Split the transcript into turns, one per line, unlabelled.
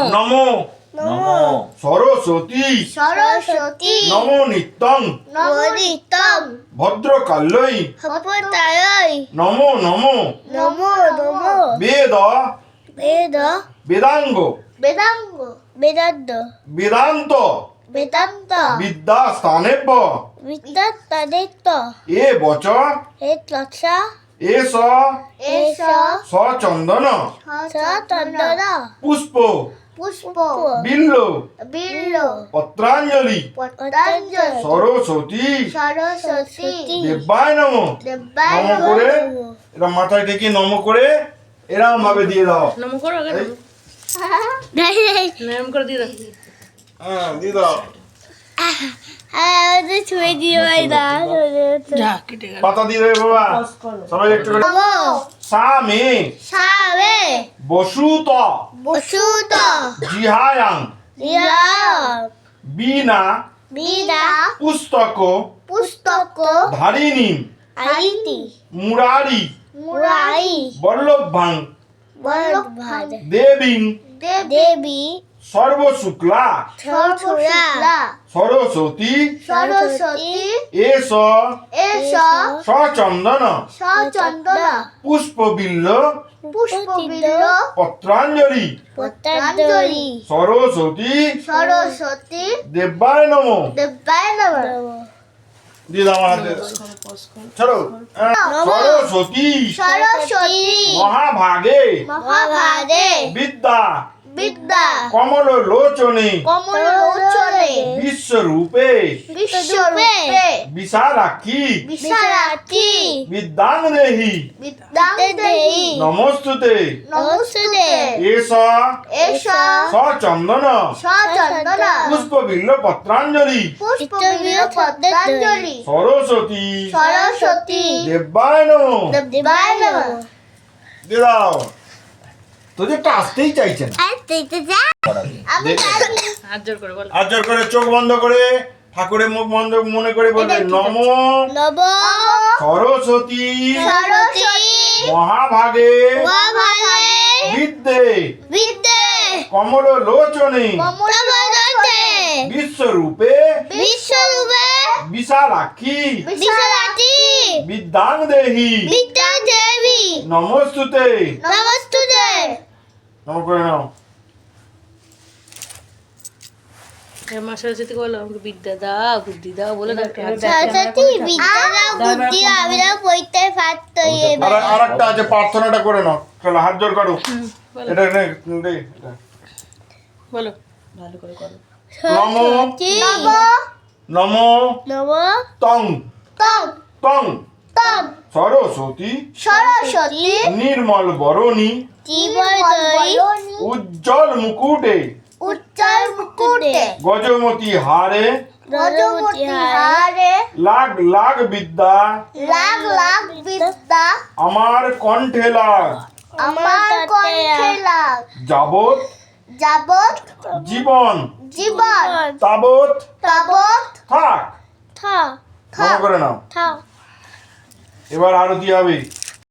নমো
নমো
সরস্বতী
সরস্বতী
নমো নিত্যং
নমোনিত্যং
ভদ্রকাল্যৈ
হপতায়
নমো নমো
নমো নমো
বেদ
বেদ
বেদাঙ্গ
বেদাঙ্গ বেদান্ত
বেদান্ত
বেদান্ত
বিদ্যা স্থানেভ্য
বিদ্যাত্তাদিত্য
এ বচ
হে তৎসা
এস
এষ
সচন্দন
সচন্দন
পুষ্প
পুষ্প
বিল্ল
বিল্ল
পত্রাঞ্জলি
পতঞ্জলি
সরস্বতী
সরস্বতী
দেবায় নমঃ
দেবায়
নম করে এরা মাথায় ঠেকিয়ে নম করে এরকম ভাবে দিয়ে দাও
নম করো আগে
এই,
নম করে দিয়ে দাও
হ্যাঁ দিয়ে দাও
আমাদের ছুঁয়ে দিয়ে ভাই না
যা কেটে গেল
পাতা দিয়ে দেবে বাবা সবাই একটু করে
নমো
সামে
সাবে
বসুত
বসুত
জিহায়াং
ইয়া
বিনা
বিদা
পুস্তক
পুস্তক
ধারিণী
আইতি
মুরারি
মুরাই
বল্লভাং
বল্লভাদ
দেবীং
দেবী
সর্বশুক্লা
সরস্বতী
সরস্বতী
সরস্বতী
এস
এষ
সচন্দন
সচন্দন
পুষ্পবিল্ল
পুষ্পবিল্ল
পত্রাঞ্জলি
পতঞ্জলি
সরস্বতী
সরস্বতী
দেবায় নমঃ
দেবায় নমঃ
দিয়ে দাও আমার হাতে ছাড়ো সরস্বতী
সরস্বতী
মহাভাগে
মহাভাগে
বিদ্যা
বিদ্যা
কমল লোচনে
কমলোচনে
বিশ্বরূপে
বিশ্বরূপে
বিশালাক্ষী
বিশালাক্ষী
বিদ্যাং দেহি
বিদ্যাঙ্গদেহি
নমস্তুতে
নমস্তুতে
এষ
এষ
সচন্দন
সচন্দন
পুষ্পবিল্ল পত্রাঞ্জলি
পুষ্পবিল্ল পতঞ্জলি
সরস্বতী
সরস্বতী
দেবায় নমঃ
দেবায় নমঃ
দিয়ে দাও তোদের তো আসতেই চাইছে না
আমি জানি
হাত জোর করে বলো
হাত জোর করে চোখ বন্ধ করে ঠাকুরের মুখ বন্ধ মনে করে বলবে নম
নব
সরস্বতী
সরস্বতী
মহাভাগে
মহাভাগে
বিদ্যে
বিদ্যে
কমল লোচনে
কমলোচনে
বিশ্বরূপে
বিশ্বরূপে
বিশালাক্ষী
বিশালাক্ষী
বিদ্যাং দেহি
বিদ্যাদেবী
নমস্তুতে
নমস্তুতে
নম করে নাও
মা সরস্বতীকে বলো আমাকে বিদ্যা দাও বুদ্ধি দাও বলে দাও একটু হাত
সরস্বতী বিদ্যা দাও বুদ্ধি আমি না পড়তে পারতো
আর একটা আছে প্রার্থনাটা করে নাও চলো হাত জোর করো
বলো
এটা নে দে এটা।
বলো ভালো করে করো
নমো
নব
নম
নব
তং
তং
তং
তং
সরস্বতী
সরস্বতী
নির্মল বরণী
জীবদয়ী
উজ্জ্বল মুকুটে
উচ্চার মুকুটে
গজমতি হারে
গজমতি হারে
লাখ লাখ বিদ্যা
লাখ লাখ বিদ্যা
আমার কণ্ঠে লাগ
আমার কণ্ঠে লাগ
যাবত
যাবত
জীবন
জীবন
তাবত
তাবত
থাক
থা
মনে করে নাও
থা
এবার আরতি হবে